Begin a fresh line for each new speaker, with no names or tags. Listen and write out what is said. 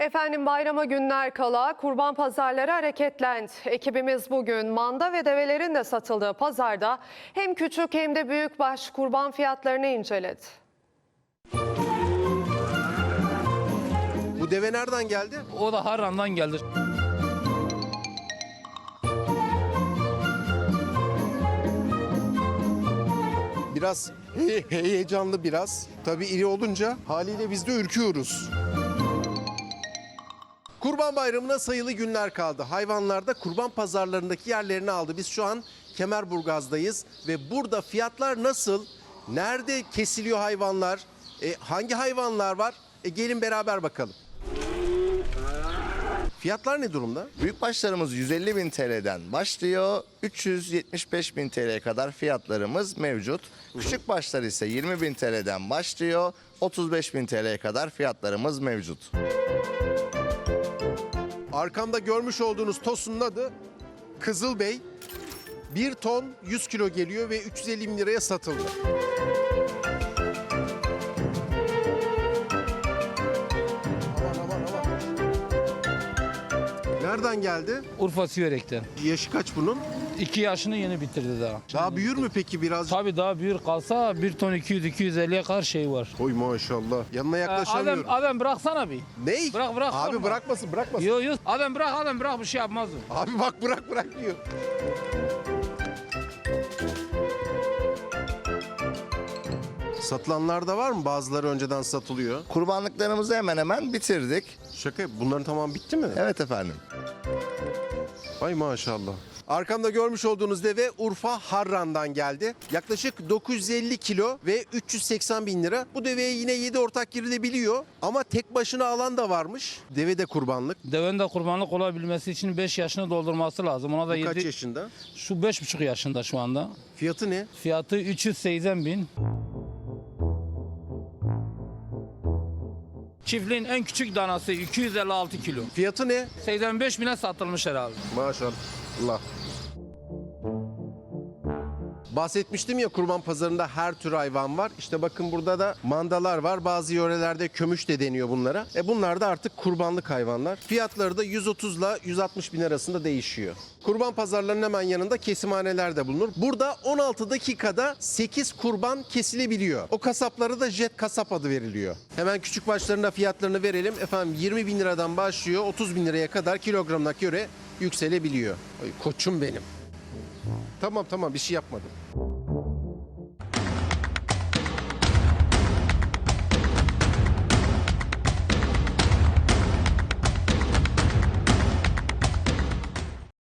Efendim bayrama günler kala kurban pazarları hareketlendi. Ekibimiz bugün manda ve develerin de satıldığı pazarda hem küçük hem de büyükbaş kurban fiyatlarını inceledi.
Bu deve nereden geldi?
O da Harran'dan geldi.
Biraz heyecanlı biraz. Tabii iri olunca haliyle biz de ürküyoruz. Kurban Bayramı'na sayılı günler kaldı. Hayvanlar da kurban pazarlarındaki yerlerini aldı. Biz şu an Kemerburgaz'dayız ve burada fiyatlar nasıl? Nerede kesiliyor hayvanlar? Hangi hayvanlar var? Gelin beraber bakalım. Fiyatlar ne durumda?
Büyükbaşlarımız 150.000 TL'den başlıyor. 375.000 TL'ye kadar fiyatlarımız mevcut. Küçük başlar ise 20.000 TL'den başlıyor. 35.000 TL'ye kadar fiyatlarımız mevcut.
Arkamda görmüş olduğunuz tosunun adı Kızılbey. 1 ton 100 kilo geliyor ve 350 bin liraya satıldı. Aman. Nereden geldi?
Urfa Siverek'ten.
Yaşı kaç bunun?
2 yaşını yeni bitirdi daha.
Daha büyür mü peki biraz?
Tabii daha büyür kalsa 1 ton 200-250'ye kadar şey var.
Oy maşallah. Yanına yaklaşamıyorum.
Adem bıraksana bir.
Ney?
Bırak.
Abi
korkma.
bırakmasın.
Yok. Adem bırak bir şey yapmaz o.
Abi bak bırak diyor. Satılanlar da var mı? Bazıları önceden satılıyor.
Kurbanlıklarımızı hemen hemen bitirdik.
Şaka bunların tamam bitti mi?
Evet efendim.
Ay maşallah. Arkamda görmüş olduğunuz deve Urfa Harran'dan geldi. Yaklaşık 950 kilo ve 380 bin lira. Bu deveye yine 7 ortak girilebiliyor. Ama tek başına alan da varmış. Deve de kurbanlık.
Devenin de kurbanlık olabilmesi için 5 yaşını doldurması lazım. Ona da
Bu kaç
7,
yaşında?
şu 5,5 yaşında şu anda.
Fiyatı ne?
Fiyatı 380.000. Çiftliğin en küçük danası 256 kilo.
Fiyatı ne?
85.000'e satılmış herhalde.
Maşallah. Bahsetmiştim ya kurban pazarında her tür hayvan var. İşte bakın burada da mandalar var. Bazı yörelerde kömüş de deniyor bunlara. Bunlar da artık kurbanlık hayvanlar. Fiyatları da 130 ile 160 bin arasında değişiyor. Kurban pazarlarının hemen yanında kesimhaneler de bulunur. Burada 16 dakikada 8 kurban kesilebiliyor. O kasaplara da jet kasap adı veriliyor. Hemen küçük başlarında fiyatlarını verelim. Efendim 20 bin liradan başlıyor 30 bin liraya kadar kilogramına göre yükselebiliyor. Ay, koçum benim. Tamam bir şey yapmadım.